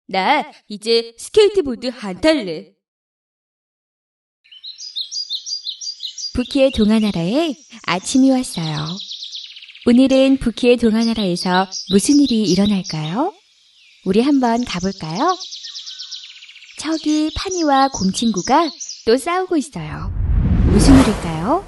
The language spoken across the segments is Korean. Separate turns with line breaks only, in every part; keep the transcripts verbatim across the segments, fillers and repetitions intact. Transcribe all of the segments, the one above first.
나 이제 스케이트보드 안 탈래.
부키의 동화나라에 아침이 왔어요. 오늘은 부키의 동화나라에서 무슨 일이 일어날까요? 우리 한번 가볼까요? 저기 파니와 곰친구가 또 싸우고 있어요. 무슨 일일까요?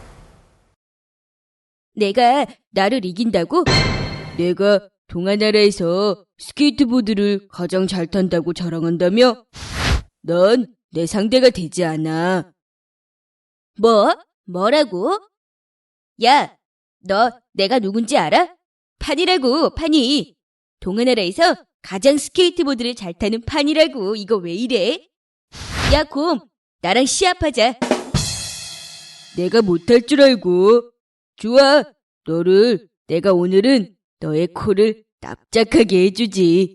내가 나를 이긴다고? 내가 동화나라에서 스케이트보드를 가장 잘 탄다고 자랑한다며? 넌 내 상대가 되지 않아. 뭐? 뭐라고? 야, 너 내가 누군지 알아? 판이라고, 판이. 동화나라에서 가장 스케이트보드를 잘 타는 판이라고. 이거 왜 이래? 야, 곰, 나랑 시합하자. 내가 못할 줄 알고. 좋아, 너를 내가 오늘은 너의 코를 납작하게 해주지.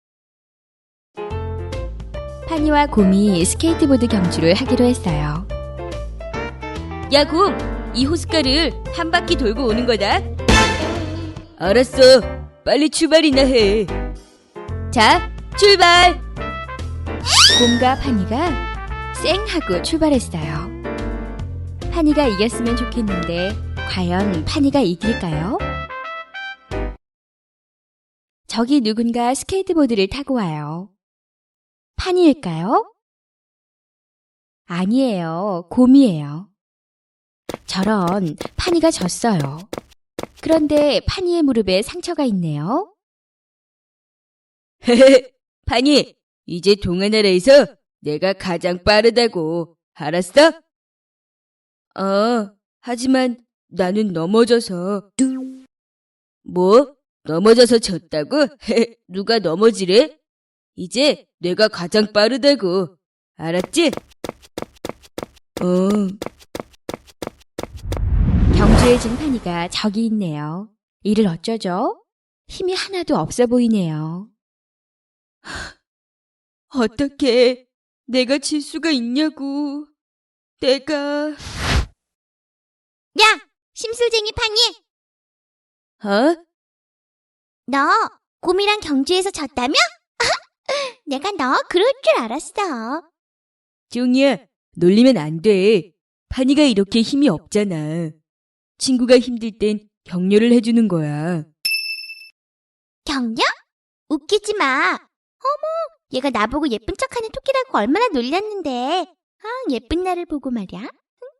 파니와 곰이 스케이트보드 경주를 하기로 했어요.
야, 곰, 이 호숫가를 한 바퀴 돌고 오는 거다. 알았어, 빨리 출발이나 해. 자, 출발!
곰과 파니가 쌩 하고 출발했어요. 파니가 이겼으면 좋겠는데 과연 파니가 이길까요? 저기 누군가 스케이트보드를 타고 와요. 파니일까요? 아니에요. 곰이에요. 저런, 파니가 졌어요. 그런데 파니의 무릎에 상처가 있네요.
헤헤, 판이, 이제 동화나라에서 내가 가장 빠르다고. 알았어? 어, 하지만 나는 넘어져서. 뭐? 넘어져서 졌다고? 헤헤, 누가 넘어지래? 이제 내가 가장 빠르다고. 알았지? 어.
경주에 진 파니가 저기 있네요. 이를 어쩌죠? 힘이 하나도 없어 보이네요.
어떻게 내가 질 수가 있냐고. 내가.
야! 심술쟁이 파니!
어?
너 곰이랑 경주에서 졌다며? 내가 너 그럴 줄 알았어.
종이야, 놀리면 안 돼. 파니가 이렇게 힘이 없잖아. 친구가 힘들 땐 격려를 해주는 거야.
격려? 웃기지 마. 어머, 얘가 나보고 예쁜 척하는 토끼라고 얼마나 놀렸는데. 아, 예쁜 나를 보고 말이야.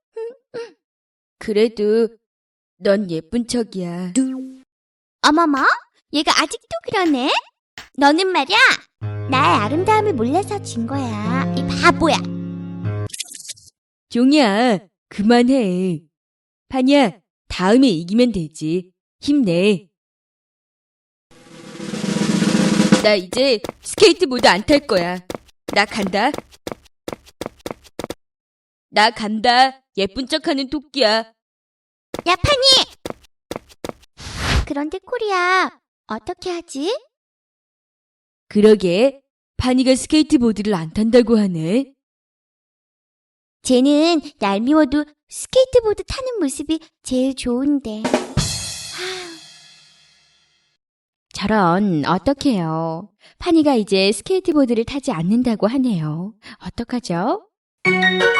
그래도 넌 예쁜 척이야.
어머머, 얘가 아직도 그러네? 너는 말이야, 나의 아름다움을 몰라서 진 거야. 이 바보야.
종이야, 그만해. 파니야, 다음에 이기면 되지. 힘내. 나 이제 스케이트보드 안 탈 거야. 나 간다. 나 간다. 예쁜 척하는 토끼야.
야, 파니! 그런데 코리야, 어떻게 하지?
그러게, 파니가 스케이트보드를 안 탄다고 하네.
쟤는 얄미워도 스케이트보드 타는 모습이 제일 좋은데.
저런, 어떡해요. 파니가 이제 스케이트보드를 타지 않는다고 하네요. 어떡하죠?